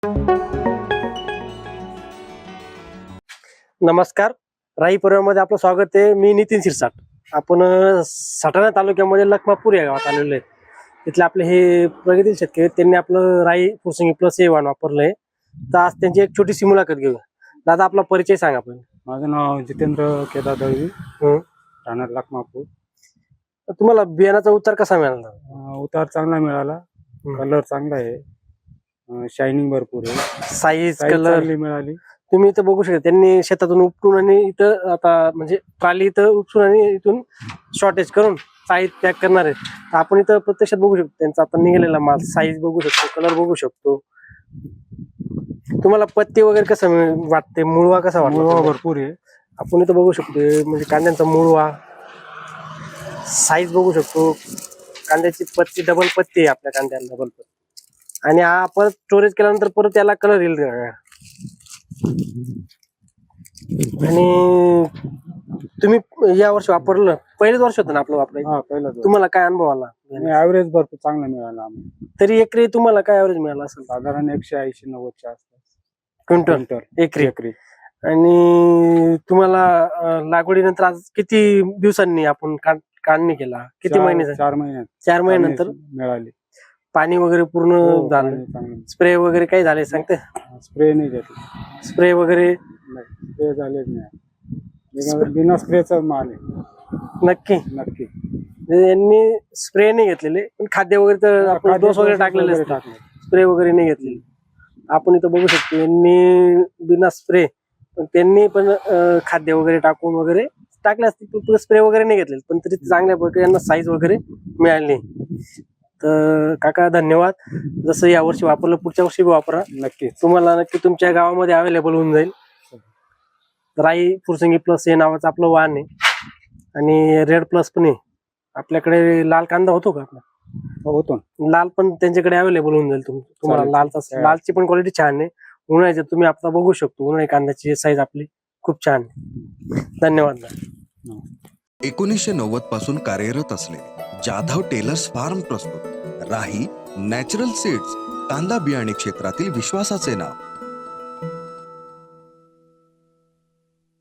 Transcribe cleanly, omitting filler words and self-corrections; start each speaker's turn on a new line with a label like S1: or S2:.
S1: नमस्कार, राई परिवारामध्ये आपलं स्वागत आहे. मी नितीन शिरसाट. आपण सटाणा तालुक्यामध्ये लखमापूर या गावात आलेलो आहे. तिथले आपले हे प्रगतील शेतकरी त्यांनी आपलं राई फुरसंगी प्लस हे वाण वापरलंय. तर आज त्यांची एक छोटीशी मुलाखत घेऊ. दादा, आपला परिचय सांगा पण.
S2: माझं नाव जितेंद्र केदार दळवी, राहणार लखमापूर.
S1: तुम्हाला बियाणाचा उतार कसा मिळाला?
S2: उतार चांगला मिळाला, कलर चांगला आहे, शायनिंग भरपूर आहे,
S1: साईज
S2: साईज
S1: कलर
S2: चांगली मिळाली.
S1: तुम्ही इथं बघू शकता. त्यांनी शेतातून उपटून आणि इथं आता म्हणजे ट्राली इथं उपसून आणि इथून शॉर्टेज करून साईज पॅक करणार आहेत. तर आपण इथं प्रत्यक्षात बघू शकतो त्यांचा आता निघालेला माल, साईज बघू शकतो, कलर बघू शकतो. तुम्हाला पत्ते वगैरे कसं वाटते, मुळवा कसा वाटतो?
S2: मुळवा भरपूर आहे.
S1: आपण इथं बघू शकतो म्हणजे कांद्यांचा मुळवा, साईज बघू शकतो. कांद्याची पत्ती डबल पत्ती आहे आपल्या कांद्याला, डबल पत्ती. आणि हा परत स्टोरेज केल्यानंतर परत त्याला कलर येईल. आणि तुम्ही या वर्षी वापरलं, पहिलेच वर्ष होतं ना आपलं वापरायचं?
S2: पहिला
S1: तुम्हाला काय अनुभव आला?
S2: ऍव्हरेज भरपूर चांगला मिळाला आम्हाला.
S1: तरी एकरी तुम्हाला काय ऍव्हरेज मिळाला असेल?
S2: साधारण 180-90च्या आसपास
S1: क्विंटल एकरी. आणि तुम्हाला लागवडीनंतर आज किती दिवसांनी आपण काढणी केला? किती महिने?
S2: 4 महिन्यात
S1: 4 महिन्यानंतर
S2: मिळाली.
S1: पाणी वगैरे पूर्ण झालं? स्प्रे वगैरे काही झाले सांगते?
S2: स्प्रे नाही घेतला.
S1: स्प्रे वगैरे
S2: स्प्रे झालेच नाही. बिना स्प्रेचा माल आहे.
S1: नक्की
S2: नक्की.
S1: यांनी स्प्रे नाही घेतलेले, पण खाद्य वगैरे तर आपण डोस वगैरे टाकलेले असतात, स्प्रे वगैरे नाही घेतलेले. आपण इथं बघू शकतो यांनी बिना स्प्रे, पण त्यांनी पण खाद्य वगैरे टाकून वगैरे टाकले असतील, स्प्रे वगैरे नाही घेतलेले, पण तरी चांगल्या प्रकारे यांना साईज वगैरे मिळाली. तर काका धन्यवाद. जसं या वर्षी वापरलं, पुढच्या वर्षी वापरा.
S2: नक्की.
S1: तुम्हाला नक्की तुमच्या गावामध्ये अवेलेबल होऊन जाईल. राई फुरसंगी प्लस हे नावाचं आपलं वाण आहे. आणि रेड प्लस पण आहे आपल्याकडे. लाल कांदा होतो का आपला?
S2: होतो.
S1: लाल पण त्यांच्याकडे अवेलेबल होऊन जाईल. तुम्हाला लालची पण क्वालिटी छान आहे. उन्हाळ्याची तुम्ही आता बघू शकतो, उन्हाळी कांद्याची साईज आपली खूप छान आहे. धन्यवाद.
S3: 1990 पासून कार्यरत असलेले जाधव टेलर्स फार्म प्रस्तुत राही नॅचरल सीड्स, कांदा बियाणे क्षेत्रातील विश्वासाचे नाव.